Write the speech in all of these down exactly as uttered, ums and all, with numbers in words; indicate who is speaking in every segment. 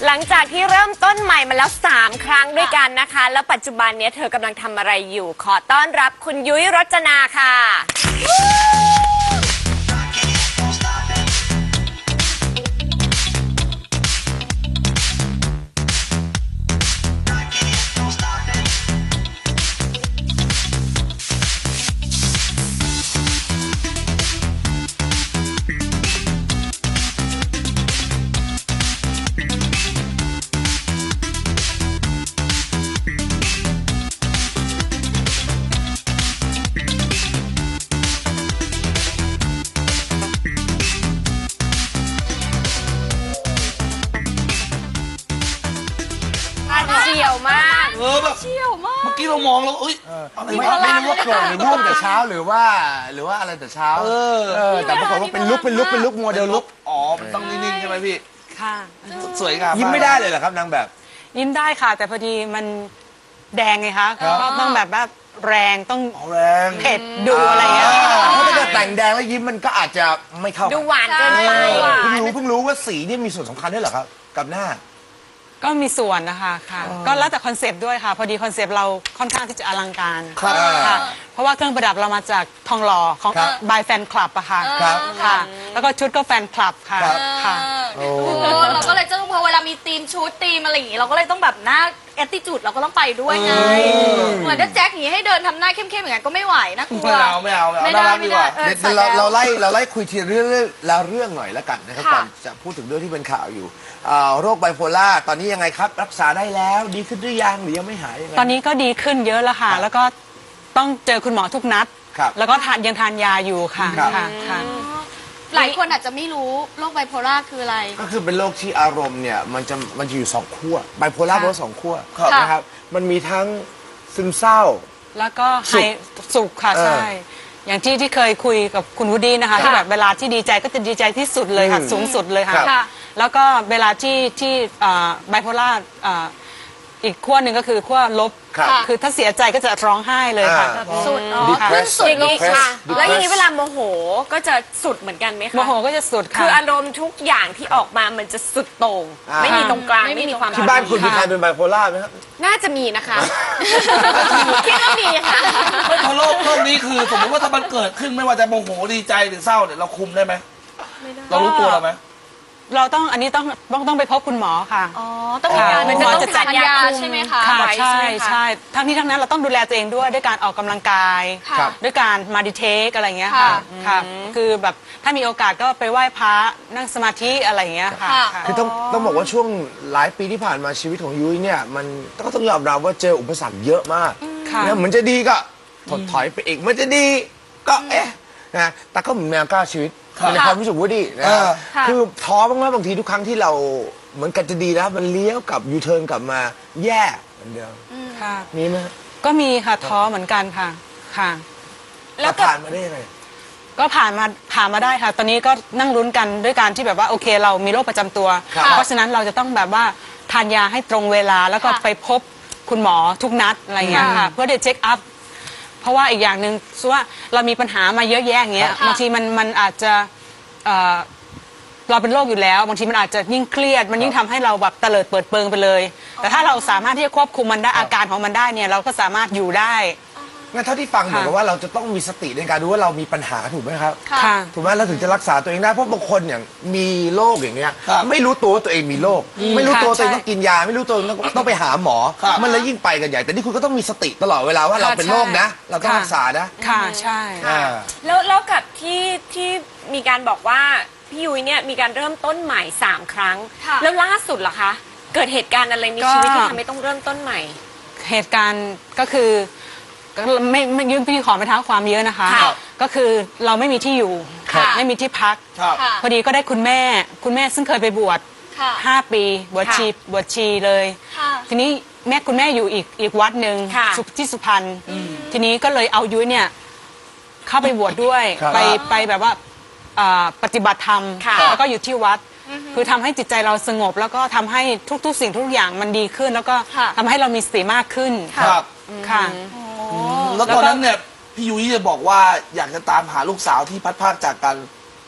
Speaker 1: หลังจากที่เริ่มต้นใหม่มาแล้วสามครั้งด้วยกันนะคะ แล้วปัจจุบันนี้เธอกำลังทำอะไรอยู่ขอต้อนรับคุณยุ้ยรจนาค่ะเชี่ยวมาก
Speaker 2: เออแบบ
Speaker 3: เชี่ยวมาก
Speaker 2: เมื่อกี้เรามองแล้วเอ้ยอะไร
Speaker 4: ไม่
Speaker 2: วะ
Speaker 4: ไม่รู้ว่าโกรธหรือง่วงแต่เช้าหรือว่าหรือว่าอะไรแต่เช้า
Speaker 2: เออ
Speaker 4: เออแต่ปรากฏว่าเป็นลุกเป็นลุกเป็นลุกโมเดลลุก
Speaker 2: อ๋อมันต้องนิ่งๆใช่ไหมพี่
Speaker 3: ค่ะ
Speaker 2: สวยงาม
Speaker 4: ยิ้มไม่ได้เลยเหรอครับนางแบบ
Speaker 3: ยิ้มได้ค่ะ แต่พอดีมันแดงไงคะก็ต้องแบบว่าแรงต้อง
Speaker 4: เอาแรง
Speaker 3: เผ็ดดูอะไรเงี้ย
Speaker 4: เพราะถ้าเกิดแต่งแดงแล้วยิ้มมันก็อาจจะไม่เข้า
Speaker 1: ดูหวานเกินไป
Speaker 4: เพิ่งรู้เพิ่งรู้ว่าสีนี่มีส่วนสำคัญด้วยเหรอครับกับหน้า
Speaker 3: ก็มีส่วนนะคะค่ะก็แล้วแต่คอนเซปต์ด้วยค่ะ พอดีคอนเซปต์เราค่อนข้างที่จะอลังการ
Speaker 4: ครับ
Speaker 3: ค่ะเพราะว่าเครื่องประดับเรามาจากทองหล่อของ
Speaker 4: ครับ
Speaker 3: บายแฟนคลับอะค่ะ
Speaker 4: ครับ
Speaker 3: ค่ะ แล้วก็ชุดก็แฟนคลับค่ะ
Speaker 4: ครับ
Speaker 3: ค่ะ
Speaker 4: โอ้
Speaker 5: เออเราก็เลยจะพอเวลามีธีมชุดธีมอะไรอย่างงี้เราก็เลยต้องแบบหน้าแอตติจูดเราก็ต้องไปด้วยไงเหมือนถ้าแจ็คอย่างงี้ให้เดินทำหน้าเข้มๆอย่างนั้นก็ไม่ไหวนะกลัว
Speaker 2: ไม่เอาไม่เอาไม่เอา
Speaker 5: ไม่
Speaker 2: น่า
Speaker 5: ได้
Speaker 2: รักดี
Speaker 5: ไม่
Speaker 2: ก
Speaker 5: ได้
Speaker 2: ว่า
Speaker 5: เออ
Speaker 4: เดี๋ยว
Speaker 5: ใส่
Speaker 4: เรา
Speaker 5: แล้ว
Speaker 4: เราไล่เราไล่คุยทีเรื่องแล้วเรื่องหน่อยแล้วกันนะครับ
Speaker 5: ค่ะ
Speaker 4: ก่อนจะพูดถึงเรื่องที่เป็นข่าวอยู่อ่าโรคไบโพล่าตอนนี้ยังไงครับ รักษาได้แล้วดีขึ้นหรือยังหรือยังไม่หายยังไง
Speaker 3: ตอนนี้ก็ดีขึ้นเยอะแล้วค่ะ แล้วก็ต้องเจอคุณหมอทุกนัด
Speaker 4: ครับ
Speaker 3: แล้วก็ทานยังทานยาอยู่ค่ะ
Speaker 4: ครับ
Speaker 3: ค่ะค่ะ
Speaker 5: หลายคนอาจจะไม่รู้โรคไบโพล่าคืออะไร
Speaker 4: ก็คือเป็นโรคที่อารมณ์เนี่ยมันจะมันจะอยู่สองขั้วไบโพล่า
Speaker 3: ค่ะ
Speaker 4: แปลว่าสองขั้ว
Speaker 5: ครับ
Speaker 4: นะครับมันมีทั้งซึมเศร้า
Speaker 3: แล้วก็
Speaker 4: สุ
Speaker 3: ไฮ
Speaker 4: ข
Speaker 3: สุขค่ะ
Speaker 4: เออ
Speaker 3: ใช่ อย่างที่ที่เคยคุยกับคุณวูดดี้นะคะ ที่แบบเวลาที่ดีใจก็จะดีใจที่สุดเลยค่ะ
Speaker 4: อืม
Speaker 3: สูงสุดเลยค่ะ
Speaker 4: ครับ
Speaker 5: ค่ะ
Speaker 3: แล้วก็เวลาที่ที่ไบโพล่าอีกขั้วหนึ่งก็คือขั้วลบ
Speaker 4: ครับ
Speaker 3: คือถ้าเสียใจก็จะร้องไห้เลยค่ะ
Speaker 4: อ่า
Speaker 5: สุดเนาะ
Speaker 4: Depressed
Speaker 5: ขึ้นสุด
Speaker 1: อย่าง
Speaker 5: ล
Speaker 1: นี้
Speaker 5: งสุด
Speaker 1: ค่ะ
Speaker 4: Depressed
Speaker 1: แล้วอย่างนี้เวลาโมโหก็จะสุดเหมือนกันไหมคะ
Speaker 3: โมโหก็จะสุดค่ะ
Speaker 1: คืออารมณ์ทุกอย่างที่ออกมามันจะสุดโต่ง
Speaker 4: อ่า
Speaker 1: ไม่มีตรงกลาง
Speaker 5: ไม่มี
Speaker 1: ไม่มีความ
Speaker 4: ที่บ้านคุณมี
Speaker 3: ค่ะ
Speaker 4: ใครเป็นไบโพล่าไหมครับ
Speaker 1: น่าจะมีนะคะคิดว่ามีค่ะ
Speaker 2: ไม่พอโรคโรคนี้คือสมมติว่าถ้ามันเกิดขึ้นไม่ว่าจะโมโหดีใจหรือเศร้าเนี่ยเราคุมได้ไหมเรารู้ตัวเราไหม
Speaker 3: เราต้องอันนี้ต้องต้องต้องไปพบคุณหมอค่ะ
Speaker 5: อ๋อต้องมีการ
Speaker 3: ค่ะ
Speaker 5: มันจะต้อง
Speaker 1: จะจั
Speaker 5: ทา
Speaker 1: ด
Speaker 5: น
Speaker 1: ยาย
Speaker 5: า
Speaker 1: คุม
Speaker 5: ใช่ไหมคะ
Speaker 3: ค่ะ
Speaker 1: ไว้
Speaker 3: ใช่
Speaker 1: ใช่ไหมคะ
Speaker 3: ใช่ทั้งนี้ทั้งนั้นเราต้องดูแลตัวเองด้วยด้วยการออกกำลังกาย
Speaker 5: ค่ะ
Speaker 4: ครับ
Speaker 3: ด้วยการมาดิเทคอะไรอย่างเงี้ยค่ะ
Speaker 5: ค่ะ
Speaker 3: ค่ะ คือแบบถ้ามีโอกาสก็ไปไหว้พระนั่งสมาธิอะไรอย่างเงี้ยค่ะ
Speaker 5: ค่ะ
Speaker 3: ค่ะ
Speaker 4: คือต้องต้องบอกว่าช่วงหลายปีที่ผ่านมาชีวิตของยุ้ยเนี่ยมันก็ต้องยอมรับว่าเจออุปสรรคเยอะมาก
Speaker 3: ค่ะ
Speaker 4: นะเหมือนจะดีก็ถดถอยไปอีกมันจะดีก็เอ๊ะนะแต่ก็เหมือนแมวก้าวชีวิต
Speaker 2: ครับ
Speaker 4: ในความรู้สึกว่าดีนะ
Speaker 2: เออ
Speaker 4: คือท้อบ้างไหมบางทีทุกครั้งที่เราเหมือนกันจะดีแล้วมันเลี้ยวกลับยูเทิร์นกลับมาแย่เหมือนเดิม
Speaker 3: ค่ะ
Speaker 4: มีไหม
Speaker 3: ก็มีค่ะท้อเหมือนกันค่ะค่ะ
Speaker 4: แล้วผ่านมาได้ยังไง
Speaker 3: ก็ผ่านมาผ่านมาได้ค่ะ ตอนนี้ก็นั่งลุ้นกันด้วยการที่แบบว่าโอเคเรามีโรคประจำตัว
Speaker 4: ครับ
Speaker 3: เพราะฉะนั้นเราจะต้องแบบว่าทานยาให้ตรงเวลาแล้วก็
Speaker 5: ค่ะ
Speaker 3: ไปพบคุณหมอทุกนัดอะไรอย่างเงี้ยค่ะเพื่อจะเช็คอัพเพราะว่าอีกอย่างหนึ่งคือว่าเรามีปัญหามาเยอะแยะอย่างเงี้ย
Speaker 5: ค่ะ
Speaker 3: บางทีมันมันอาจจะเอ่อเราเป็นโรคอยู่แล้วบางทีมันอาจจะยิ่งเครียด มันยิ่งทำให้เราแบบเตลิดเปิดเปิงไปเลย แต่ถ้าเราสามารถที่จะควบคุมมันได้อาการของมันได้เนี่ยเราก็สามารถอยู่ได้
Speaker 4: งั้นเท่าที่ฟังเหมือนกับว่าเราจะต้องมีสติในการดูว่าเรามีปัญหาถูกไหมครับ
Speaker 5: ค่ะ
Speaker 3: ค่ะ
Speaker 4: ถูกไหมเราถึงจะรักษาตัวเองได้เพราะบางคนอย่างมีโรคอย่างเงี้ย
Speaker 2: ครับ
Speaker 4: ไม่รู้ตัวว่าตัวเองมีโรคไม่รู้ตัว
Speaker 3: ค่ะ
Speaker 4: ตัวเอง
Speaker 3: ใช่
Speaker 4: ต้องกินยา ไม่รู้ตัวต้องต้องไปหาหมอ
Speaker 2: ครับ
Speaker 4: มันเลยยิ่งไปกันใหญ่ แต่นี่คุณก็ต้องมีสติตลอดเวลาว่าเราเป็นโรคนะ เราต้องรักษานะ
Speaker 3: ค่ะใช่
Speaker 4: อ่า
Speaker 1: แล้วแล้วกับที่ที่มีการบอกว่าพี่ยุ้ยเนี่ยมีการเริ่มต้นใหม่สามครั้ง
Speaker 5: ค่ะ
Speaker 1: แล้วล่าสุดเหรอคะเกิดเหตุการณ์อะไรในชีวิตที่ทำให้ต้องเริ่มต้นใหม่
Speaker 3: เหตุการณ์ก็คือก็ไม่ไม่ยื่นพี่ขอไม่เท้าความเยอะนะคะ
Speaker 1: ครับ
Speaker 3: ก็คือเราไม่มีที่อยู่
Speaker 5: ค่ะ
Speaker 3: ไม่มีที่พัก
Speaker 2: ครับ
Speaker 5: ค่ะ
Speaker 3: พอดีก็ได้คุณแม่ คุณแม่ซึ่งเคยไปบวช
Speaker 5: ค่ะ
Speaker 3: ห้าปีบวช
Speaker 1: ค่ะ
Speaker 3: ชีบวชชีเลย
Speaker 5: ค่ะ
Speaker 3: ทีนี้แม่คุณแม่อยู่อีกอีกวัดหนึ่ง
Speaker 1: ค่ะ
Speaker 3: สุที่สุพรรณทีนี้ก็เลยเอายุ้ยเนี่ยเข้าไปบวชด้วย
Speaker 4: ครับ
Speaker 3: ไปไปแบบว่าอ่าปฏิบัติธรรม
Speaker 1: ค่ะ
Speaker 3: แล้วก็อยู่ที่วัด คือทำให้จิตใจเราสงบ แล้วก็ทำให้ทุกๆ สิ่งทุกอย่างมันดีขึ้น แล้วก็
Speaker 5: ค่ะ
Speaker 3: ทำให้เรามีสติมากขึ้น
Speaker 2: ครับ
Speaker 3: ค่ะ
Speaker 2: แล้วตอนนั้นเนี่ยพี่ยุ้ยจะบอกว่าอยากจะตามหาลูกสาวที่พัดพรากจากกัน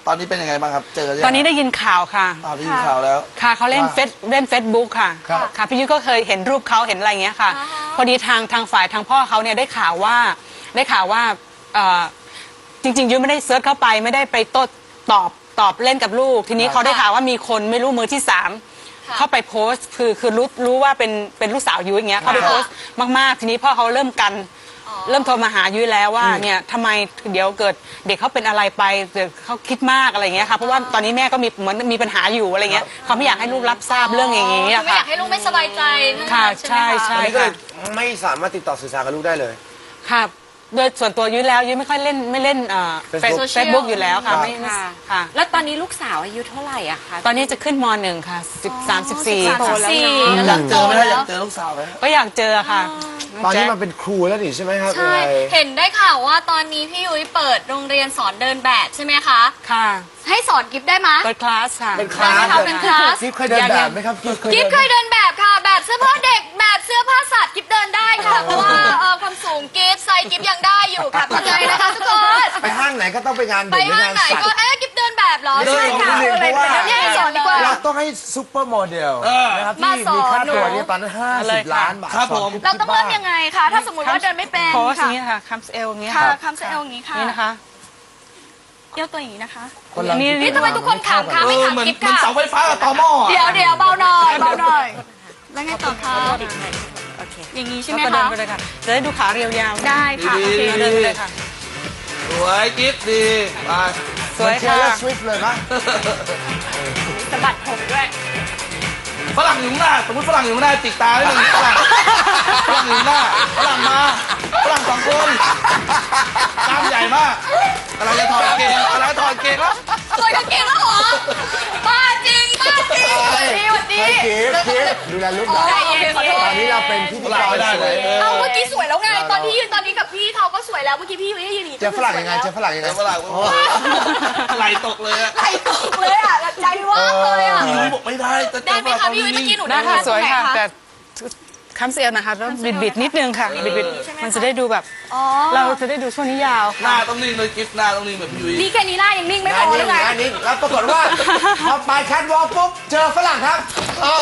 Speaker 2: ตอนนี้เป็นยังไงบ้างครับ เจอหรืยัง
Speaker 3: ตอนนี้ได้ยินข่าวค่ะ
Speaker 2: อ้าวได้ยินข่าวแล้ว
Speaker 3: ค่ะเขาเล่น
Speaker 2: ว่า
Speaker 3: เฟซเล่นเฟซบุ๊กค่ะ
Speaker 4: ครับ
Speaker 3: ค่ะพี่ยุ้ยก็เคยเห็นรูปเขาเห็นอะไรอย่างเงี้ยค่ะ
Speaker 5: อ่าฮะ
Speaker 3: พอดีทางทางฝ่ายทางพ่อเขาเนี่ยได้ข่าวว่าได้ข่าวว่าเอ่อจริงๆยุ้ยไม่ได้เซิร์ชเข้าไปไม่ได้ไปโต้ตอบตอบเล่นกับลูก ทีนี้เขาได้ข่าวว่ามีคนไม่รู้มือที่สามเข้าไปโพสต์คือคือรู้รู้ว่าเป็นเป็นลูกสาวยุ้ยอย่างเงี้ยเขาไปโพสต์มากๆ ทีนี้พ่อเขาเริ่มกัน เริ่มโทรมาหายุ้ยแล้วว่าเนี่ยทำไมเดี๋ยวเกิดเด็กเขาเป็นอะไรไปเดี๋ยวเขาคิดมากอะไรอย่างเงี้ยค่ะเพราะว่าตอนนี้แม่ก็มีเหมือนมีปัญหาอยู่อะไรเงี้ยเขาไม่อยากให้ลูกรับทราบเรื่องอย่างงี้
Speaker 5: คือ
Speaker 3: อะ
Speaker 5: ไม่อ
Speaker 3: ค่ะ
Speaker 5: ยากให้ลูกไม่สบายใจทั้ง
Speaker 3: ค่ะ
Speaker 5: นั้นใช่ไหม
Speaker 3: ใช่
Speaker 5: คะ
Speaker 3: ใช่
Speaker 4: ตอนนี้ก็เลยไม่สามารถติดต่อสื่อสารกับลูกได้เลย
Speaker 3: ค่ะโดยส่วนตัวยุ้ยแล้วยุ้ยไม่ค่อยเล่นไม่เล่นเอ่อ
Speaker 4: Facebook
Speaker 3: เฟซบุ๊กอยู่แล้วค่ะ
Speaker 4: ครับ
Speaker 3: ไม่ไม่
Speaker 1: ค่ะ
Speaker 3: ค่ะ
Speaker 1: แล้วตอนนี้ลูกสาวอายุเท่าไหร่อะคะ
Speaker 3: ตอนนี้จะขึ้นมหนึ่งค่ะสิบสามสิบสี่
Speaker 1: โตแล้ว
Speaker 5: สี่
Speaker 2: อยากเจอไหมฮะอยากเจอลูกสาวไหม
Speaker 3: ก็อยากเจอค่ะ
Speaker 4: ตอนนี้มันเป็นครูแล้วนี่ใช่ไหมครับ
Speaker 5: ใช่
Speaker 4: ยังไง
Speaker 5: เห็นได้ข่าวว่าตอนนี้พี่ยุ้ยเปิดโรงเรียนสอนเดินแบบใช่ไหมคะ
Speaker 3: ค่ะ
Speaker 5: ให้สอนกิฟได้ไหม
Speaker 3: เปิดคลาสค่ะ
Speaker 4: เป็นคลาส
Speaker 5: ได้ไหมคะเป็นคลาส
Speaker 4: กิฟเคยเดินแบบไหมครับกิฟเคย
Speaker 5: กิฟ
Speaker 4: เดิน
Speaker 5: เคยเดินแบบค่ะ แบบเสื้อผ้าเด็กแบบเสื้อผ้าสัตว์กิฟเดินได้ค่ะ เพราะว่าเอ่อความสูงกิฟไซส์กิฟยังได้อยู่ค่ะเข้าใจนะคะทุกคน
Speaker 4: ไปห้างไหนก็ต้องไปงาน
Speaker 5: ไป
Speaker 4: เด็กหรือ
Speaker 5: ห้าง
Speaker 4: งาน
Speaker 5: ไหน
Speaker 4: สัต
Speaker 5: ก็
Speaker 4: ว์
Speaker 5: เอ๊ะกิฟเดินแบบเหรอ
Speaker 4: เดิน
Speaker 5: ใช่
Speaker 4: ของ
Speaker 5: ค่ะ
Speaker 4: นิดนึงเพราะว่า
Speaker 5: เนี่ยให้สอนดีกว่า
Speaker 4: เราต้องให้ซูเปอร์โมเดล
Speaker 2: เออ
Speaker 4: นะครับ
Speaker 5: มา
Speaker 4: ที่
Speaker 5: สอน
Speaker 4: มีค่าตัว
Speaker 5: หนู
Speaker 4: เนี่ยตอนนั้นห้า
Speaker 3: เล
Speaker 4: สิ
Speaker 3: ย
Speaker 4: บ
Speaker 3: ค่ะ
Speaker 4: ล้านบาท
Speaker 2: ครับผม
Speaker 5: เราต้องเริ่มยังไงคะ ถ้าสมมติว่าเดินไม่เป็น
Speaker 3: โพสอย่า
Speaker 5: ค่ะ
Speaker 3: งนี้ค่ะคัมส์เอลอย่างนี้
Speaker 5: ค่ะ
Speaker 3: ค่ะ
Speaker 5: คำเซลอย่างนี้ค่ะ
Speaker 3: นี่นะคะ
Speaker 5: เอี้ยวตัวอย่างนี้นะคะ
Speaker 4: คนเรา
Speaker 3: นี่
Speaker 5: นี่ทำไมทุกคนขำคะ
Speaker 2: เอ
Speaker 5: ไม่
Speaker 2: อเหมือน
Speaker 5: ขำกิฟ
Speaker 2: เหมือน
Speaker 5: ค่ะ
Speaker 2: เสาไฟฟ้ากับตอหม้ออะ
Speaker 5: เดี๋ยวเดี๋ยวเบาหน่อยเบาหน่อย แล้วไงต่อคะ
Speaker 3: โอเค
Speaker 5: อย่างนี้ใช่
Speaker 3: แล้ว
Speaker 5: ไหม
Speaker 3: ก็เดิน
Speaker 5: คะ
Speaker 3: ไปเลยค่ะจะได้ดูขาเรียวยาว
Speaker 5: ได้ค่ะ
Speaker 2: ดี
Speaker 3: โอเค
Speaker 2: ๆ
Speaker 3: เดินไปเลยค่ะ
Speaker 2: สวยกิ๊บดีไป
Speaker 3: สวย
Speaker 4: เท
Speaker 3: ค่ะ
Speaker 4: เลอร์สวิฟเลยปะ
Speaker 1: สะบัดผมด้วย
Speaker 2: ฝรั่งอยู่ข้างหน้าสมมติฝรั่งอยู่ข้างหน้าติดตาได้หนึ่งฝรั่งฝรั่งอยู่ข้างหน้าฝรั่งมาฝรั่งสองคนกล้ามใหญ่มากกำลังจะถอดกางเกงกำลังจะถอดกางเกงแล้ว
Speaker 5: ถอดกางเกงแล้วเหรอบ้าจริงบ้าจริงสวัสดีสวัสดี
Speaker 4: เฮ้ยกิฟกิฟดูแลลูกหน่อย
Speaker 5: ใจเย็นขอโทษ
Speaker 4: ตอนนี้เราเป็นพิธี
Speaker 2: ฝ
Speaker 4: ก
Speaker 2: รั่ง
Speaker 4: ร
Speaker 2: ไม่ได้
Speaker 4: ส
Speaker 2: เล
Speaker 4: วย ย
Speaker 5: เอาเมื่อกี้สวยแล้วไง ตอนที่ยืนตอนนี้กับพี่เขาก็สวยแล้ว เมื่อกี้พี่ยุ้ยยืนหนี
Speaker 4: เจอฝรั่งยังไงเจอฝรั่งยังไง
Speaker 2: แต่ฝรั่งไหลตกเลยอะ
Speaker 5: ไหลตกเลยอ่ะใจว่างเลยอ่ะ
Speaker 2: พี่ยุ้ยบอกไม่ได้จะเจ
Speaker 5: ได้
Speaker 2: อ
Speaker 5: ไหม
Speaker 2: ฝรั่ง
Speaker 5: คะพี่ยุ้ยเมื่อกี้หนู
Speaker 3: ได้ค่ะสวยค่ะ
Speaker 5: ตรงไหน
Speaker 3: แต่คัมส์เอลนะคะแล้วบิดบิดๆนิดนึงค่ะบิดบิดๆมันจะได้ดูแบบ
Speaker 5: อ๋อ
Speaker 3: เราจะได้ดูช่วงนี้ยาว
Speaker 2: หน้าต้องนิ่งเลยกิ๊บหน้าต้องนิ่งแบบพี่ยุ้ย
Speaker 5: นี่แค่นี้หน้ายังนิ่งไม่พ
Speaker 4: งาน
Speaker 5: อ
Speaker 4: นี้
Speaker 5: หรือไง
Speaker 4: งานนี้แล้วปรากฏว่าพอไปแคทวอล์กปุ๊บเจอฝรั่งครับเออ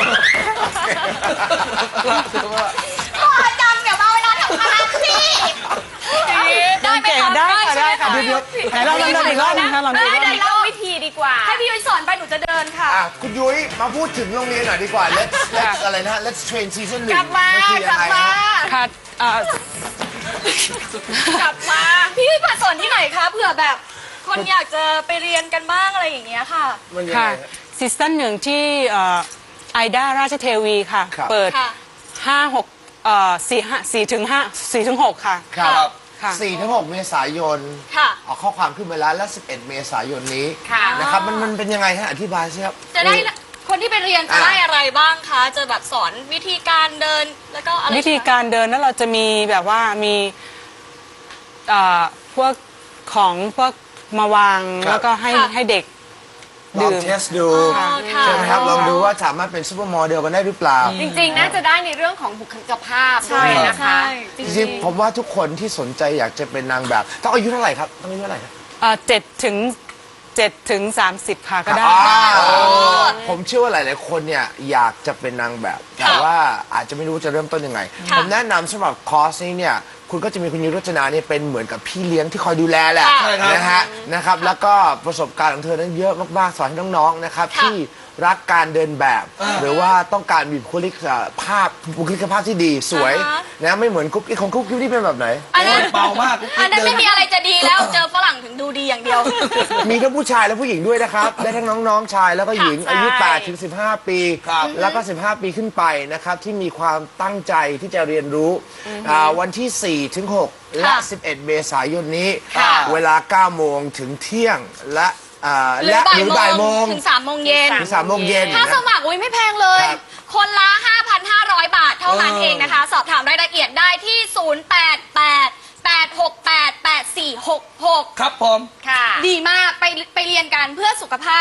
Speaker 5: พ่อจำเดี๋ยวมาเวลาทำงานสิได้ไหม
Speaker 3: เก่ง
Speaker 5: คะ
Speaker 3: ได้ค่ะได้ค่ะ
Speaker 5: ใช่หม
Speaker 3: เดี๋ยวๆไหนลองลองเดินอีกรอบนึงค่ะลองดูอีกรอบนึ
Speaker 1: ได้
Speaker 3: ง
Speaker 1: เล่าวิธีดีกว่า
Speaker 5: ให้พี่ยุ้ยสอนไปหนูจะเดินค่ะ
Speaker 4: อ่ะคุณยุ้ยมาพูดถึงโรงเรียนหน่อยดีกว่า let's let's อะไรนะ let's train season หนึ่ง
Speaker 5: กลับมา
Speaker 4: นคือก
Speaker 5: ลั
Speaker 4: ยัง
Speaker 5: บ
Speaker 4: ไง
Speaker 5: มา
Speaker 4: ฮะ
Speaker 3: ค่ะเอ่อก
Speaker 5: ลับมา พี่ยุ้ยมาสอนที่ไหนคะเผื่อแบบ คนอยากจะไปเรียนกันบ้างอะไรอย่างเงี้ยค่ะ
Speaker 4: มันยัง
Speaker 3: ค่ะ
Speaker 4: ไงฮะ
Speaker 3: ซีซั่นหนึ่งที่ไอด้าราชเทวีค่ะ
Speaker 4: ครับ
Speaker 3: เปิด
Speaker 5: ค่ะ
Speaker 3: ห้าหกเอ่อสี่ห้าสี่ถึงห้าสี่ถึงหกค่ะ
Speaker 4: ครับ
Speaker 3: ค่ะ
Speaker 4: สี่ถึงหกเมษายน
Speaker 5: ค่ะ
Speaker 4: เอาข้อความขึ้นมาแล้วและสิบเอ็ดเมษายนนี้
Speaker 1: ค่ะ
Speaker 4: นะครับมันมันเป็นยังไงฮะอธิบายสิครับ
Speaker 5: จะได้คนที่ไปเรียนจะ
Speaker 4: อ่ะ
Speaker 5: ได้อะไรบ้างคะ จะแบบสอนวิธีการเดินแล้วก็อะไร
Speaker 3: วิธีการเดินนั้นเราจะมีแบบว่ามีเอ่อพวกของพวกมาวาง
Speaker 4: ครับ
Speaker 3: แล้วก็ให้ให้เด็ก
Speaker 4: ลอง
Speaker 3: ดื่ม
Speaker 4: เทสดู
Speaker 5: อ๋อค่ะ
Speaker 4: ใช่ไหมครับลองดูว่าสามารถเป็นซูเปอร์โมเดลกันได้หรือเปล่า
Speaker 1: จริงๆ น่าจะได้ในเรื่องของบุคลิกภาพด้วยนะคะ
Speaker 5: ใช่จ
Speaker 4: จ
Speaker 5: ริ
Speaker 4: ริ
Speaker 5: ง
Speaker 4: งๆผมว่าทุกคนที่สนใจอยากจะเป็นนางแบบ ต้องอายุเท่าไหร่ครับต้องอายุเท่าไหร่ครับ
Speaker 3: เอ่อเจ็ดถึงเจ็ดถึงสามสิบค่ะก็ได้
Speaker 4: อ่าผมเชื่อว่าหลาย ๆ คนเนี่ยอยากจะเป็นนางแบบ แต่ว่าอาจจะไม่รู้จะเริ่มต้นยังไง
Speaker 5: ค่ะ
Speaker 4: ผมแนะนำสำหรับคอร์สนี้เนี่ยคุณก็จะมีคุณยุ้ยรจนาเนี่ยเป็นเหมือนกับพี่เลี้ยงที่คอยดูแลแหละ
Speaker 5: ค่ะ
Speaker 2: ใช่ครับ
Speaker 4: นะฮะนะครับแล้วก็ประสบการณ์ของเธอนั้นเยอะมาก ๆ สอนให้น้อง ๆ นะครับ
Speaker 5: ค่ะ
Speaker 4: ที่รักการเดินแบบ หรือว่าต้องการมีบุคลิกภาพบุคลิกภาพที่ดีสวย
Speaker 5: อ่าฮะ
Speaker 4: นะไม่เหมือนกุ๊กกิ๊กของกุ๊กกิ๊กที่เป็นแบบไหน
Speaker 5: อันนั้น
Speaker 2: เบามาก
Speaker 5: อันนั้นไม่มีอะไรจะดีแล้ว เจอฝรั่งถึงดูดีอย่างเดียว
Speaker 4: มีทั้งผู้ชายและผู้หญิงด้วยนะครับ ได้ทั้งน้องๆชายแล้วก็หญิง
Speaker 1: ค่ะ
Speaker 4: อายุ
Speaker 1: ใช่
Speaker 4: แปดถึงสิบห้า ปี
Speaker 2: ครับ
Speaker 4: แล้วก็ สิบห้า ปีขึ้นไปนะครับ ที่มีความตั้งใจที่จะเรียนรู้อ่าวันที่ สี่ถึงหก และ สิบเอ็ด เมษายนนี้
Speaker 5: ค่ะ
Speaker 4: เวลา เก้า โมงถึงเที่ยงและอ่า
Speaker 5: หรือ
Speaker 4: และ
Speaker 5: บ่า
Speaker 4: ห
Speaker 5: ย
Speaker 4: รือ
Speaker 5: โม
Speaker 4: บ่ายโม
Speaker 5: ง
Speaker 4: ง
Speaker 5: ถึงสามโมงเย็น
Speaker 4: ถึงสามโมงเย็น
Speaker 5: ค่า
Speaker 4: นะ
Speaker 5: สมัครอุ้ยไม่แพงเลย
Speaker 4: ครับ
Speaker 5: คนละ ห้าพันห้าร้อย บาทเท่านั้นเองนะคะ สอบถามรายละเอียดได้ที่ ศูนย์ แปด แปด แปด หก แปด แปด สี่ หก หก
Speaker 2: ครับผม
Speaker 1: ค่ะ
Speaker 5: ดีมากไปไปเรียนกันเพื่อสุขภาพ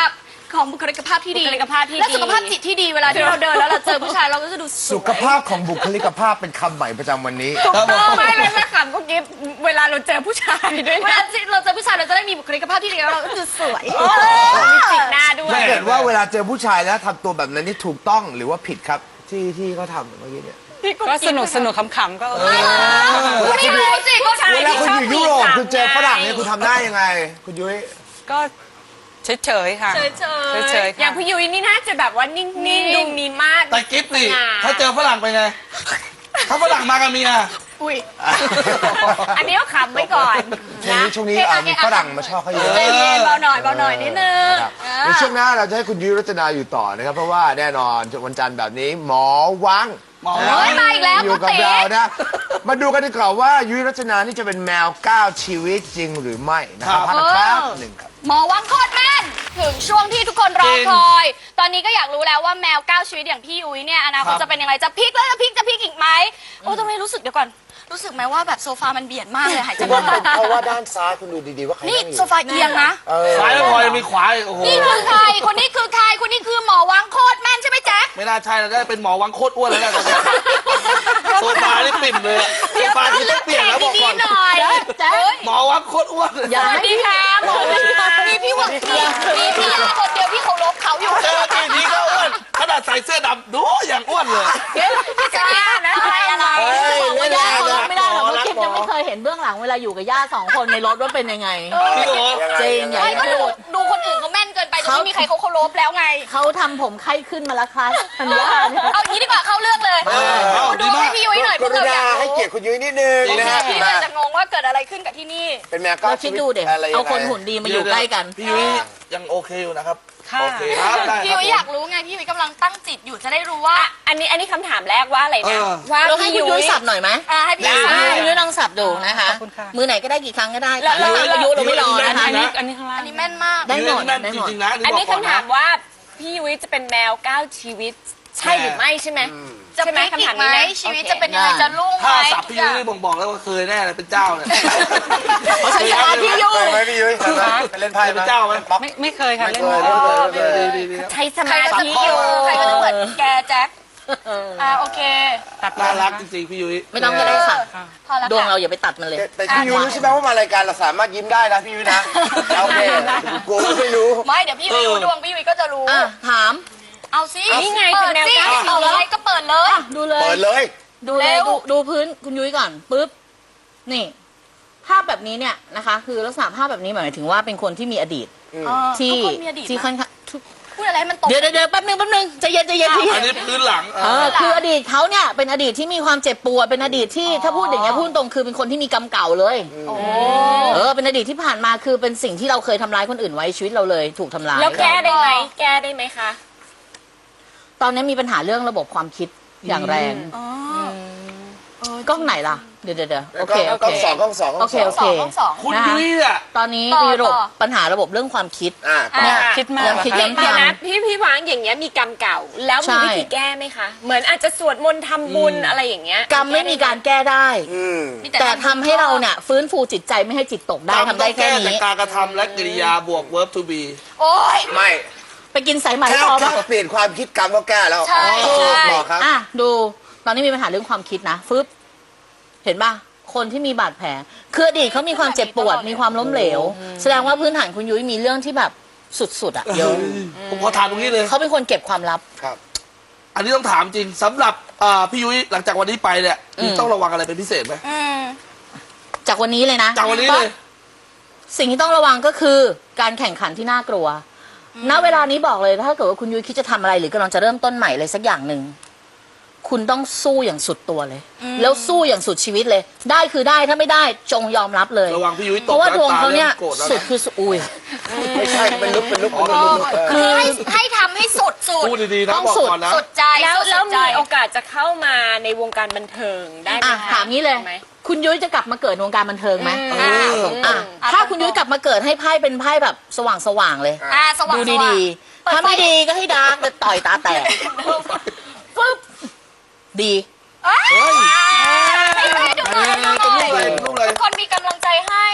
Speaker 5: ของบุคลิกภาพที่ดี
Speaker 1: บุคลิกภาพที่ดี
Speaker 5: และสุขภาพจิตที่ดีเวลาที่เราเดินแล้วเราเจอผู้ชายเราก็จะดูสวย
Speaker 4: สุขภาพของบุคลิกภาพเป็นคำใหม่ประจำวันนี้
Speaker 2: ครับผม
Speaker 1: ไม่ไม่ไม่ขำก็กิฟเวลาเราเจอผู้ชายด้วย
Speaker 5: เว
Speaker 1: นะ
Speaker 5: ลาที่เราเจอผู้ชายเราจะได้มีบุคลิกภาพที่ดีแล้วเราก็จะสวย
Speaker 1: มีจิกหน้าด้วย
Speaker 4: ถ้าเกิดว่าเวลาเจอผู้ชายแล้วทำตัวแบบนั้นนี่ถูกต้องหรือว่าผิดครับที่ที่เขาทำเมื่อกี้เนี่ย
Speaker 3: ก็สนุกสนุกขำๆก็โอเค
Speaker 5: คุณไม่รู้สิผู้ชาย
Speaker 4: เวลาคุณอยู่ยุโรป
Speaker 1: ชอบ
Speaker 4: คุณเจอ
Speaker 1: มี
Speaker 4: ฝรั่ง
Speaker 1: ไง
Speaker 4: เนี่ยคุณทำได้ยังไง คุณยุ้ย
Speaker 3: ก็เฉยๆค่ะ
Speaker 5: เฉยๆ
Speaker 3: เฉยๆ
Speaker 1: อ
Speaker 3: ค่ะ
Speaker 1: ย่างพี่ยุ้ยนี่น่าจะแบบว่านิ่งๆดูมีมาด
Speaker 2: แต่กิฟต์นี่
Speaker 1: สง่า
Speaker 2: ถ้าเจอฝรั่งเป็นไง ถ้าฝรั่งมากับเมีย
Speaker 5: อุ้ย
Speaker 1: อันนี้ก็ขำไว้ก่อน
Speaker 4: ช่วง
Speaker 1: นะ
Speaker 4: นี้ช่วงนี้อ่ะมีฝรั่งมาชอบเขาเยอะ
Speaker 5: ใจเย็นเบาหน่อยเบาหน่อยนิดนึง
Speaker 4: นะครับในช่วงหน้าเราจะให้คุณยุ้ยรัตนาอยู่ต่อนะครับ เพราะว่าแน่นอนวันจันทร์แบบนี้หมอวัง
Speaker 2: หมอ
Speaker 4: นะ
Speaker 2: วัง
Speaker 5: เฮ้ยมาอีกแล้ว
Speaker 4: อยู่กับ
Speaker 5: คุณติ๋
Speaker 4: เรานะ มาดูกันดีกว่าว่ายุ้ยรัตนานี่จะเป็นแมวเก้าชีวิตจริงหรือไม่นะครับพักกันแป๊บหนึ่งครับ
Speaker 5: หมอวังโคตรแม่นถึงช่วงที่ทุกคนรอคอย ตอนนี้ก็อยากรู้แล้วว่าแมวเก้าชีวิตอย่างพี่ยุ้ยเนี่ยอนาคตจะเป็นยังไงจะพลิกแล้วจะพลิกจะพลิกอีกไหมโอ้ตรงนี้รู้สึกเดี๋ยวก่อนรู้สึกไหมว่าแบบโซฟามันเบียดมากเลยหายใจ
Speaker 4: เพ
Speaker 5: ไม่
Speaker 4: ราะ
Speaker 5: ออก
Speaker 4: เพราะว่าด้านซ้ายคุณดูดีๆว่าใคร
Speaker 5: นี่
Speaker 4: นั่งอยู่
Speaker 5: โซฟาเอียงนะ
Speaker 4: เออ
Speaker 2: ซ้ายไม่พอยังมีขวาอีกโอ้โห
Speaker 5: นี่คือใครคนนี้คือใครคนนี้คือหมอวังโคตรแม่นใช่ไหมแจ๊ค
Speaker 2: ไม่น่าใช่แล้วได้เป็นหมอวังโคตรอ้วนแล้วนะตอนนี้โซฟานี่ปิ่มเลยอะโซฟาที่ต้องเปลี่ยนแล้วบอกก่อน
Speaker 5: หน่อยแจ๊ค
Speaker 2: หมอวังโคตรอ้วนเลย
Speaker 5: สวัสดีค่ะหมอวังมีพี่หวังมีมีพี่ยาคนเดียวที่เคารพเขาอยู่
Speaker 2: เจอทีนี้ก็อ้วนขนาดใส่เสื้อดำดูอย่างอ้วนเลย
Speaker 1: จะบ้านะอะไรอะไร
Speaker 4: เฮ้ย
Speaker 6: บอก
Speaker 4: เล่
Speaker 6: ว่าน ย่า
Speaker 4: แรง
Speaker 6: เคาร
Speaker 4: นะ
Speaker 6: พไม่ได้หรอก
Speaker 2: หมอ
Speaker 6: เพราะ
Speaker 2: รัก
Speaker 6: คิด
Speaker 2: หมอ
Speaker 6: ยังไม่เคยเห็นเบื้องหลังเวลาอยู่กับย่าสองคนในรถว่าเป็นยังไง
Speaker 2: จริงเหรอ
Speaker 6: จริงอย่า
Speaker 5: ไม่
Speaker 6: ง
Speaker 5: ก็
Speaker 6: นี้
Speaker 5: ดูดูคนอื่นเขาแม่นเกินไปจนไม่มีใครเขาเคารพแล้วไง
Speaker 6: เขาทำผมไข้ขึ้นมาแล้วครับทันย่าเนี่ย
Speaker 5: เอางี้ดีกว่าเข้าเรื่องเลย
Speaker 2: เอา
Speaker 5: ดู
Speaker 2: ดีมา
Speaker 5: ให้
Speaker 2: ก
Speaker 5: พี่ยุ้ยหน่อยพ
Speaker 4: ก
Speaker 5: วก
Speaker 4: รุ
Speaker 5: เราอ
Speaker 4: ณาย
Speaker 5: าก
Speaker 4: ให้
Speaker 5: รู้
Speaker 4: เกียรติคุณยุ้ยนิดนึงนะฮะ
Speaker 5: พี่เลยจะงงว่าเกิดอะไรขึ้นกับที่นี่
Speaker 4: เป็นแมวเก้า
Speaker 6: เรา
Speaker 4: ชี
Speaker 6: คิด
Speaker 4: วิต
Speaker 6: ดูเด็
Speaker 4: อะไรยังไง
Speaker 6: เอาคนหุ่นดีมาอยู่ใกล้กัน
Speaker 2: พี่ยุ้ยยังโอเคอยู่นะครับ
Speaker 3: ค่ะ
Speaker 2: โอเคครับได้
Speaker 5: พี่
Speaker 2: ค
Speaker 5: ยุ้
Speaker 2: รับ
Speaker 5: ยอยากรู้ไงพี่ยุ้ยกำลังตั้งจิตอยู่จะได้รู้ว่า
Speaker 1: อันนี้อันนี้คำถามแรกว่าอะไรนะ
Speaker 2: เออ
Speaker 1: ว่า
Speaker 6: เราให้คุณยุ้ยสับหน่อยไหม
Speaker 5: อ่าให้พี่
Speaker 2: ได้
Speaker 5: ยุ้ย
Speaker 6: ให้คุณยุ้ยลองสับดูนะคะ
Speaker 3: ขอบคุณค่ะ
Speaker 6: มือไหนก็ได้กี่ครั้งก็ได้
Speaker 1: แล้วแล้ว
Speaker 6: ตามอายุเราไม่รอนะคะ
Speaker 3: อันนี้อันนี้ข้างล่าง
Speaker 5: อันนี้แม่นมาก
Speaker 6: ได้หมด
Speaker 2: แม่น
Speaker 6: ได้
Speaker 2: จ
Speaker 6: หมด
Speaker 2: ริงๆนะ
Speaker 1: อันนี้
Speaker 2: บกก่
Speaker 1: คำถามว่าพี่ยุ้ยจะเป็นแมวเก้าชีวิต ใช่หรือไม่ใช่ไหม
Speaker 5: จะ
Speaker 1: ใช่ไหม
Speaker 5: พลิกอี
Speaker 1: คำถาม
Speaker 5: กไหม
Speaker 1: นี้นะ
Speaker 5: ชีวิตจะเป็นยังไงจะรุ่งไหม
Speaker 2: ถ้าสับพี่ยุ้ยนี่บ่งบอกแล้วว่าเคยแน่เลยเป็นเจ้าเนี่ย
Speaker 6: เพราะฉันชนะพี่ยุ้
Speaker 4: เค
Speaker 6: ย
Speaker 4: ยไหมพี่ยุ้ยเคยไหมไปเล่นไพ่
Speaker 2: เป็นเจ้าไหม
Speaker 4: ป๊อก
Speaker 3: ไม่ไม่เคยค่ะ
Speaker 4: ไม่
Speaker 3: เล่น
Speaker 4: เคย
Speaker 3: ไม่
Speaker 4: ไม่
Speaker 3: เคย
Speaker 4: เคย
Speaker 2: ดีดีดีครับ
Speaker 1: ใช้ส
Speaker 5: ใคร
Speaker 1: มา
Speaker 5: ก็จะ
Speaker 1: ธิ
Speaker 5: พอ
Speaker 1: อยู่
Speaker 5: ใครก็จะเหมือนแกแจ็ค
Speaker 6: เออ
Speaker 5: อ่าโอเค
Speaker 3: ตัด
Speaker 2: น่ารัก
Speaker 3: นะ
Speaker 2: จ
Speaker 3: คะ
Speaker 2: ริงๆพี่ยุ้ย
Speaker 6: ไม่ต้องก็ได้ค่ะ
Speaker 5: พอแล้ว
Speaker 6: ดวง
Speaker 5: ค่ะ
Speaker 6: เราอย่าไปตัดมันเลย
Speaker 4: แต่แต่พี่ยุ้ยรู้ใช่ไหมว่ามารายการเราสามารถยิ้มได้นะพี่ยุ้ยนะโอเคกูไม่รู้
Speaker 5: ไม่เดี๋ยวพี่ยุ้ยรู้ดวงพี่ยุ้ยก็จะรู้
Speaker 6: อ่ะถาม
Speaker 5: เอาสิ
Speaker 1: นี่ไง
Speaker 5: เปิด
Speaker 1: เป็นแนว
Speaker 5: สิ
Speaker 1: เก้า
Speaker 5: เอาอะไรก็เปิดเลย
Speaker 6: ดูเลย
Speaker 4: เปิดเลย
Speaker 6: ดูเลย
Speaker 5: เร็ว
Speaker 6: ดูดูพื้นคุณยุ้ยก่อนปุ๊บนี่ ภาพแบบนี้เนี่ยนะคะ คือลักษณะภาพแบบนี้หมายถึงว่าเป็นคนที่มีอดีต
Speaker 5: เออ
Speaker 6: ที่
Speaker 5: ทุกคนมีอดีต
Speaker 6: ที่
Speaker 5: นะ
Speaker 6: ค่อนข้างทุก
Speaker 5: พูดอะไรให้มันตรง
Speaker 6: เดี๋ยวเดี๋ยวเดี๋ยวแป๊บนึงแป๊บนึงใจเย็นใจเย็นพี่
Speaker 2: อันนี้พื้นหลัง
Speaker 6: เออคืออดีตเขาเนี่ยเป็นอดีตที่มีความเจ็บปวดเป็นอดีตที่ถ้าพูดอย่างเงี้ยพูดตรงคือเป็นคนที่มีกรรมเก่าเลย
Speaker 5: โอ้
Speaker 6: เออเป็นอดีตที่ผ่านมาคือเป็นสิ่งที่เราเคยทำร้ายคนอื่นไว้ชีวิตเราเลยถูกทำร้าย
Speaker 1: แล้วแก้ได้ไหมแก้ได้ไหมคะ
Speaker 6: ตอนนี้มีปัญหาเรื่องระบบความคิดอย่างแรง
Speaker 5: อ๋อก
Speaker 6: ล้องไหนล่ะเดี๋ยวเดี๋ยวเดี๋ยวโอเคโอก
Speaker 4: ล้
Speaker 6: เค
Speaker 4: องสองกล้องสองกล้องส
Speaker 6: โอ
Speaker 4: อง
Speaker 6: เค
Speaker 5: สองต้องสอง
Speaker 2: คุณยุ้ยอ่ะ
Speaker 6: ตอนนี้
Speaker 5: ต่อ
Speaker 6: มีระบบ
Speaker 5: ต่อ
Speaker 6: ปัญหาระบบเรื่องความคิด
Speaker 4: อ่า
Speaker 5: อ่า
Speaker 3: คิดมาก
Speaker 6: ยังคิด
Speaker 3: เหรอ
Speaker 6: ย้ำ
Speaker 1: เดี๋ยว
Speaker 6: ทำ
Speaker 1: นะพี่พี่วางอย่างเงี้ยมีกรรมเก่า แล้วมี
Speaker 6: ใช่
Speaker 1: วิธีแก้ไหมคะ เหมือนอาจจะสวดมนต์ทำบุญอะไรอย่างเงี้ย
Speaker 6: กรรมไม่มีการแก้ได้
Speaker 4: อืม
Speaker 5: มี
Speaker 6: แต่ทำให้เราเนี่ยฟื้นฟูจิตใจไม่ให้จิตตกได้ทำได้แค่
Speaker 2: แต่
Speaker 6: นี้
Speaker 2: การกระทำและกริยาบวก verb to be
Speaker 5: โอ้ย
Speaker 4: ไม่
Speaker 6: ไปกินสายไหม
Speaker 4: แค่
Speaker 6: พอ
Speaker 4: แค่
Speaker 6: ปะ
Speaker 4: เปลี่ยนความคิดกรรมก็แก้แล้ว
Speaker 5: ใช่
Speaker 4: อ๋อ
Speaker 5: ใช่
Speaker 4: บอกครับ
Speaker 6: อ่ะดูตอนนี้มีปัญหาเรื่องความคิดนะฟึบเห็นป่ะคนที่มีบาดแผลคืออดีตเขามีความเจ็บปวดมีความล้มเหลว แสดงว่าพื้นฐานคุณยุ้ยมีเรื่องที่แบบสุดๆอ่ะเยอะ
Speaker 2: ผมขอถามตรงนี้เลย
Speaker 6: เขาเป็นคนเก็บความลับ
Speaker 4: ครับ
Speaker 2: อันนี้ต้องถามจริงสำหรับอ่าพี่ยุ้ยหลังจากวันนี้ไปเนี่ย
Speaker 6: อืม
Speaker 2: ต้องระวังอะไรเป็นพิเศษไหม
Speaker 5: อืม
Speaker 6: จากวันนี้เลยนะ
Speaker 2: จากวันนี้เลย
Speaker 6: สิ่งที่ต้องระวังก็คือการแข่งขันที่น่ากลัว ณ เวลานี้บอกเลยถ้าเกิดว่าคุณยุ้ยคิดจะทำอะไรหรือกำลังจะเริ่มต้นใหม่เลยสักอย่างหนึ่ง คุณต้องสู้อย่างสุดตัวเลย แล้วสู้อย่างสุดชีวิตเลย ได้คือได้ถ้าไม่ได้จงยอมรับเลย
Speaker 2: ระวังพี่ยุ้ยตก
Speaker 6: เพราะว่าดวงเขาเนี่ย
Speaker 2: โกรธแล้ว
Speaker 6: สุด
Speaker 2: นะ
Speaker 6: คือสุดอุ้ย
Speaker 4: ไม่ใช่เป็นลุกเป็นลุกเป็นลุกเป็นลุกเออ
Speaker 5: คือให้ให้ทำให้สุดสุด
Speaker 2: พูดดีๆนะ
Speaker 6: ต้อง
Speaker 2: บอก
Speaker 6: สุด
Speaker 2: ก่อนนะ
Speaker 5: สุดใจ
Speaker 1: แล้ว
Speaker 5: สุด
Speaker 1: แล้ว
Speaker 5: ใจ
Speaker 1: มีโอกาสจะเข้ามาในวงการบันเทิงได้ไหม
Speaker 6: อ่ะ
Speaker 1: คะ
Speaker 6: ถามนี้เลย
Speaker 1: ไหม
Speaker 6: คุณยุ้ยจะกลับมาเกิดในวงการบันเทิงไหม
Speaker 2: เออ
Speaker 6: อ่ะถ้าคุณยุ้ยกลับมาเกิดให้ไพ่เป็นไพ่แบบสว่างสว่างๆเลย
Speaker 5: อ่าสว่าง
Speaker 6: ดู
Speaker 5: สว่าง
Speaker 6: ดีๆ ถ้าไม่ดีก็ให้ดาร์กแต่ต่อยตาแตกปึ๊บดี
Speaker 5: เอ้ยให้ให้ดูหน่อยให้ดูหน่อย
Speaker 2: เป็นรูปอะไรเป็นรูปอะไร
Speaker 5: ทุกคนมีกำลังใจให้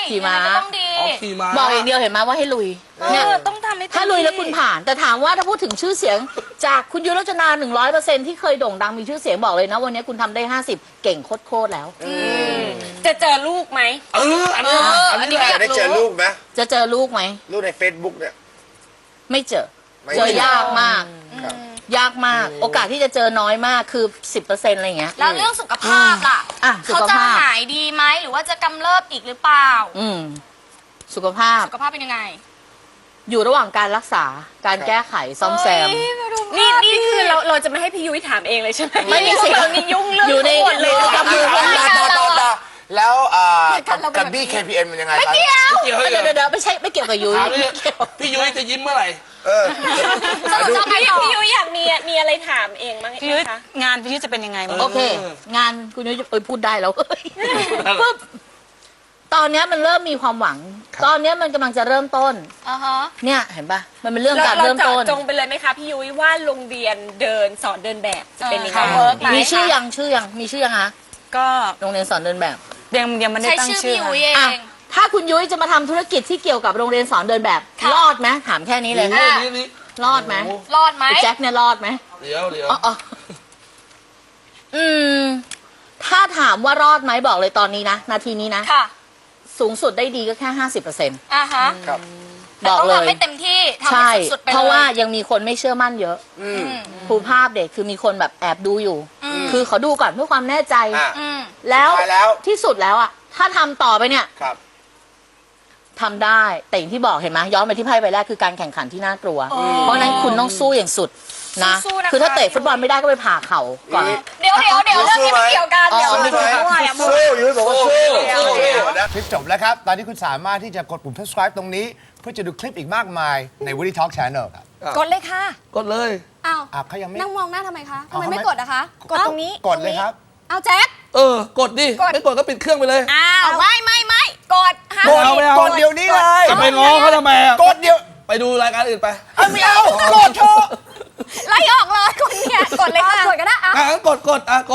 Speaker 6: ขี่ม้า
Speaker 5: ยังไงก็ต้องดี
Speaker 2: ออกขี่ม้า
Speaker 6: บอกอย่างเดียวเห็นไหมว่าให้ลุย
Speaker 5: เอ
Speaker 6: เนี่ย
Speaker 5: อต้องทำให้เต็ม
Speaker 6: ถ้าลุยแล้ว
Speaker 5: ที่
Speaker 6: คุณผ่าน แต่ถามว่าถ้าพูดถึงชื่อเสียง จากคุณยุรจนาหนึ่งร้อยเปอร์เซ็นที่เคยโด่งดังมีชื่อเสียงบอกเลยนะวันนี้คุณทำได้ห้าสิบเก่งโคตรๆแล้ว
Speaker 1: จะเจอลูกไหม
Speaker 2: เอออันนี้
Speaker 5: เอออั
Speaker 2: อัน
Speaker 5: นนี้
Speaker 2: นี้แห
Speaker 5: ก็
Speaker 2: ละ
Speaker 5: อยาก
Speaker 4: จะได้เจอลูกไหม
Speaker 6: จะเจอลูกไหม
Speaker 4: ลูกใน Facebook เนี่ย
Speaker 6: ไม่เจอ
Speaker 4: ไม่
Speaker 6: เจอยากมาก
Speaker 4: ครับ
Speaker 6: ยากมาก โอกาสที่จะเจอน้อยมากคือ สิบเปอร์เซ็นต์ อะไรอย่างเงี้ย
Speaker 5: แล้วเรื่องสุขภาพล่ะ
Speaker 6: อ่ะสุ
Speaker 5: เขา
Speaker 6: ข
Speaker 5: จะ
Speaker 6: ภาพ
Speaker 5: หายดีไหมหรือว่าจะกำเริบอีกหรือเปล่า
Speaker 6: อืมสุขภาพ
Speaker 5: สุขภาพเป็นยังไง
Speaker 6: อยู่ระหว่างการรักษาการแก้ไขซ่อมแซม
Speaker 5: เฮ้ยมาดู
Speaker 1: นี่
Speaker 5: ภาพ
Speaker 1: นี่
Speaker 5: ดิ
Speaker 1: คือเราเราจะไม่ให้พี่ยุ้ยถามเองเลยใช่ไหม
Speaker 6: ไม่มีสิ
Speaker 1: เรานี่ยุ่งเรื่อง
Speaker 6: อยู่ใน
Speaker 1: ทั้งหมดเลย
Speaker 6: อยู่ในกำมือ
Speaker 4: ต่อต่อต่อแล้วอ่ากับกับบี้ เค พี เอ็ม เป็นยังไงครับ
Speaker 5: เกี่ยว
Speaker 2: เกี่ยวให้
Speaker 6: เดี๋ยวเดี๋ยวเดี๋ยวไม่ใช่ไม่เกี่ยวกับยุ้ย
Speaker 2: ถามดิพี่ยุ้ยจะยิ้มเมื่อไหร่
Speaker 4: เออ
Speaker 5: สรุปจะไป
Speaker 1: พี่
Speaker 5: ต่อ
Speaker 1: พี่ยุ้ยอยากมีมีอะไรถามเองมั้ง
Speaker 3: พี่ยุ้ย
Speaker 1: คะ
Speaker 3: งานพี่ยุ้ยจะเป็นยังไงมั้ง
Speaker 6: โอเค งานคุณยุ้ยเอ้ยพูดได้แล้ว ปุ๊บตอนเนี้ยมันเริ่มมีความหวัง ตอนเนี้ยมันกำลังจะเริ่มต้น
Speaker 5: อ่าฮะ
Speaker 6: เนี่ยเห็นปะมันเป็นเรื่อง
Speaker 1: เรา
Speaker 6: การ
Speaker 1: เรา
Speaker 6: เริ่ม
Speaker 1: เจาะ
Speaker 6: ต้น
Speaker 1: จงไปเลยไหมคะพี่ยุ้ยว่าโรงเรียนเดินสอนเดินแบบจะเป็นยังไง
Speaker 5: เออค่ะ work ไหม
Speaker 6: มีชื่อยังชื่อยังมีชื่อยังคะ
Speaker 3: ก็
Speaker 6: โรงเรียนสอนเดินแบบ
Speaker 3: ยังยังไม่ได้
Speaker 5: ใช้
Speaker 3: ตั้ง
Speaker 5: ชื่อ
Speaker 3: ชื่อ
Speaker 5: พี่อุ๋ย
Speaker 3: ค่ะ
Speaker 5: เอ
Speaker 6: อ่ะ
Speaker 5: ง
Speaker 6: ถ้าคุณยุ้ยจะมาทำธุรกิจที่เกี่ยวกับโรงเรียนสอนเดินแบบ
Speaker 5: ค่ะ
Speaker 6: รอดไหมถามแค่นี้เลย
Speaker 5: อ่ะ
Speaker 2: นี่นี่
Speaker 6: รอดไหม
Speaker 5: รอดไหม
Speaker 6: ไอ้แจ็คเนี่ยรอดไหม
Speaker 2: เดี๋ยวเดี๋ยว
Speaker 6: อ๋ออ๋ออืม ถ้าถามว่ารอดไหมบอกเลยตอนนี้นะ นาทีนี้นะ
Speaker 5: ค่ะ
Speaker 6: สูงสุดได้ดีก็แค่ห้าสิบเปอร์เซ็นต์
Speaker 5: อ่าฮะ
Speaker 4: ครับ
Speaker 5: แต่
Speaker 6: บอก
Speaker 5: ต้อง
Speaker 6: เลย
Speaker 5: ทำให้เต็มที่ทำ
Speaker 6: ใช่
Speaker 5: ให้สุดๆไปเลย
Speaker 6: เพราะว่ายังมีคนไม่เชื่อมั่นเยอะ
Speaker 4: อืม
Speaker 6: ครูภาพเด็กคือมีคนแบบแอบดูอยู่
Speaker 5: อืม
Speaker 6: คือเขาดูก่อนเพื่อความแน่ใจ
Speaker 4: อ่ะ
Speaker 5: อืม
Speaker 6: แล้ว
Speaker 4: สุดท้ายแล้ว
Speaker 6: ที่สุดแล้วอ่ะ ถ้าทำต่อไปเนี่ย
Speaker 4: ครับ
Speaker 6: ทำได้ แต่อย่างที่บอกเห็นไหมย้อนไปที่ไพ่ใบแรกคือการแข่งขันที่น่ากลัว เพราะฉะนั้นคุณต้องสู้อย่างสุดนะ
Speaker 5: สู้ๆนะคะ
Speaker 6: คือถ้าเตะฟุตบอลไม่ได้ก็ไปผ่าเข่าก่อน
Speaker 5: เดี๋ยวเดี๋ยวเดี๋ยวเรื่องนี้ไม่เกี่ยวกัน
Speaker 6: อ๋อ
Speaker 5: เดี๋ยว
Speaker 4: สู้ไหม
Speaker 5: ด้วยอ่ะ
Speaker 4: สู้ยุ้ยบอกว่าสู้
Speaker 2: สู้
Speaker 4: นะคลิปจบแล้วครับ ตอนนี้คุณสามารถที่จะกดปุ่ม subscribe ตรงนี้ เพื่อจะดูคลิปอีกมากมายใน Woody Talk Channel ครับ
Speaker 5: กดเลยค่ะ
Speaker 2: กดเลย
Speaker 5: อ้าว
Speaker 4: อ่ะเขายังไม่
Speaker 5: นั่งมองหน้าทำไมคะทำ
Speaker 4: เอา
Speaker 5: ไม
Speaker 4: ทำไม
Speaker 5: ไม่กดอะคะ กดตรงนี้
Speaker 4: กดเลยครับ
Speaker 5: เอาแจ็ค
Speaker 2: เออ กดดิ ไม่กดก็ปิดเครื่องไปเลย
Speaker 5: อ้าวไม่ไม่ไม่กดห้าม
Speaker 2: กดเอาไม่เอา
Speaker 4: กดเดี๋ยวนี้เลย
Speaker 2: จะไปง้อเขาทำไมอ่ะ
Speaker 4: กดเดี๋ยว
Speaker 2: ไปดูรายการอื่นไป
Speaker 4: เอาไม่เอากดเถอะ
Speaker 5: ไล่ออกเลยคนเนี่ยกดเลยค่ะกดก็ได้
Speaker 2: อ่ะงั้นกดกดอ่ะกด